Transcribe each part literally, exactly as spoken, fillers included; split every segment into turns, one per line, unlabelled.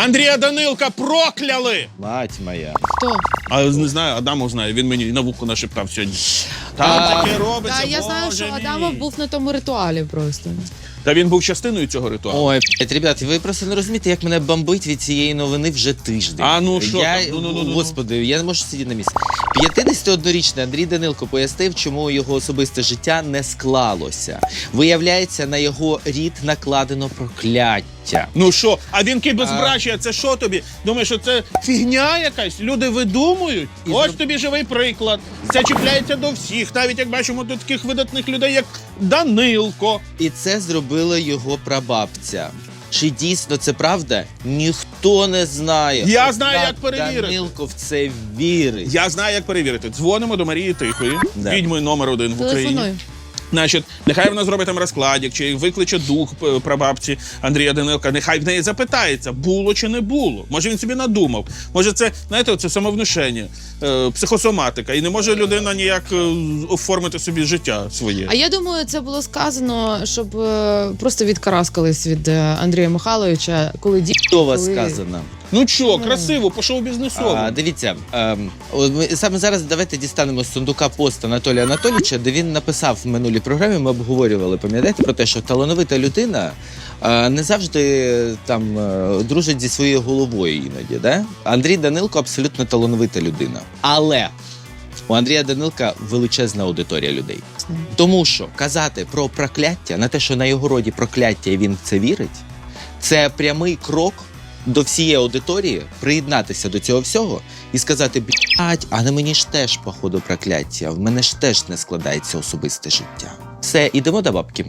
Андрія Данилка прокляли!
Мать моя.
Хто?
А не знаю, Адамов знає, він мені на вухо нашептав сьогодні. Там
А,
таке робиться,
Та я знаю,
Боже
що
мій.
Адамов був на тому ритуалі просто.
Та він був частиною цього ритуалу.
Ой, блядь, ребят, ви просто не розумієте, як мене бомбить від цієї новини вже тиждень.
А, ну, що
я,
там? Ну, ну, ну, ну.
Господи, я не можу сидіти на місці. п'ятдесятиоднорічний Андрій Данилко пояснив, чому його особисте життя не склалося. Виявляється, на його рід накладено прокляття.
Ну що, а вінки безбрачя, це що тобі? Думаєш, що це фігня якась? Люди видумують?
І
Ось
зроб-
тобі живий приклад. Це чіпляється до всіх, навіть як бачимо до таких видатних людей, як Данилко.
І це зробила його прабабця. Чи дійсно це правда? Ніхто не знає.
Я знаю,
Однак
як перевірити.
Данилко в це вірить.
Я знаю, як перевірити. Дзвонимо до Марії Тихої,
Да.
відьмою номер один в Україні.
Телефоную.
Значить, нехай вона зробить там розкладик, чи викличе дух п- прабабці Андрія Данилка, нехай в неї запитається, було чи не було. Може він собі надумав. Може це, знаєте, це самовнушення, е, психосоматика. І не може людина ніяк е, оформити собі життя своє.
А я думаю, це було сказано, щоб е, просто відкараскались від е, Андрія Михайловича, коли ді...
Чудово
коли-
сказано.
Ну що, красиво, по шоу-бізнесовому.
А, дивіться, ем, от ми саме зараз давайте дістанемо з сундука пост Анатолія Анатолійовича, де він написав в минулій програмі, ми обговорювали, пам'ятаєте, про те, що талановита людина е, не завжди там е, дружить зі своєю головою іноді. Да? Андрій Данилко абсолютно талановита людина. Але у Андрія Данилка величезна аудиторія людей. Тому що казати про прокляття, на те, що на його роді прокляття і він в це вірить, це прямий крок до всієї аудиторії приєднатися до цього всього і сказати: блядь, а на мені ж теж, походу, прокляття, в мене ж теж не складається особисте життя. Все, ідемо до бабки.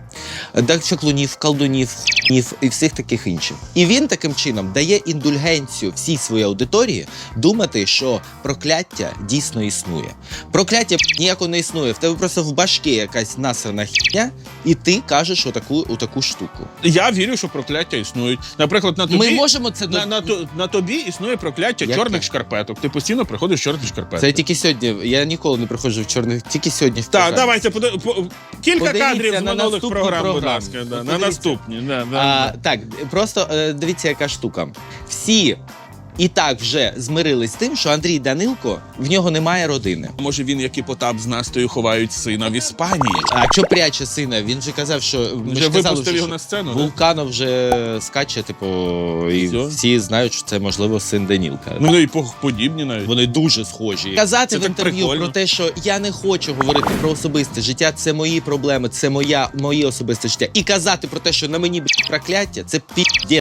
До чаклунів, колдунів, хуйнів і всіх таких інших. І він таким чином дає індульгенцію всій своїй аудиторії думати, що прокляття дійсно існує. Прокляття ніяко не існує. В тебе просто в башки якась насрана хіня, і ти кажеш отаку, отаку штуку.
Я вірю, що прокляття існують. Наприклад, на тобі,
Ми можемо це
на,
до-
на, то- на тобі існує прокляття
Яке?
чорних шкарпеток. Ти постійно приходиш в чорних шкарпетках.
Це тільки сьогодні. Я ніколи не приходжу в чорних, тільки сьогодні в
Так,
програмі.
давайте поди- по, кілька
Подивіться
кадрів з
на
минулих
наступну
програм, будь
програму.
ласка. Да, на
Подивіться.
наступні. Да, да,
А,
да.
так, просто е, дивіться, яка штука. Всі і так вже змирились з тим, що Андрій Данилко, в нього немає родини.
Може він, як і Потап з Настею, ховають сина в Іспанії?
А що пряче сина? Він же казав, що ми
Вже
ж казали,
випустив
що-
його на сцену, да?
Вулканов вже скаче, типу, і
Всьо?
всі знають, що це можливо син Данілка.
Ну і по- подібні навіть.
Вони дуже схожі. Казати
Це
в
так
інтерв'ю
прикольно.
про те, що я не хочу говорити про особисте життя, це мої проблеми, це моя моє особисте життя. І казати про те, що на мені б**, прокляття, це пі***.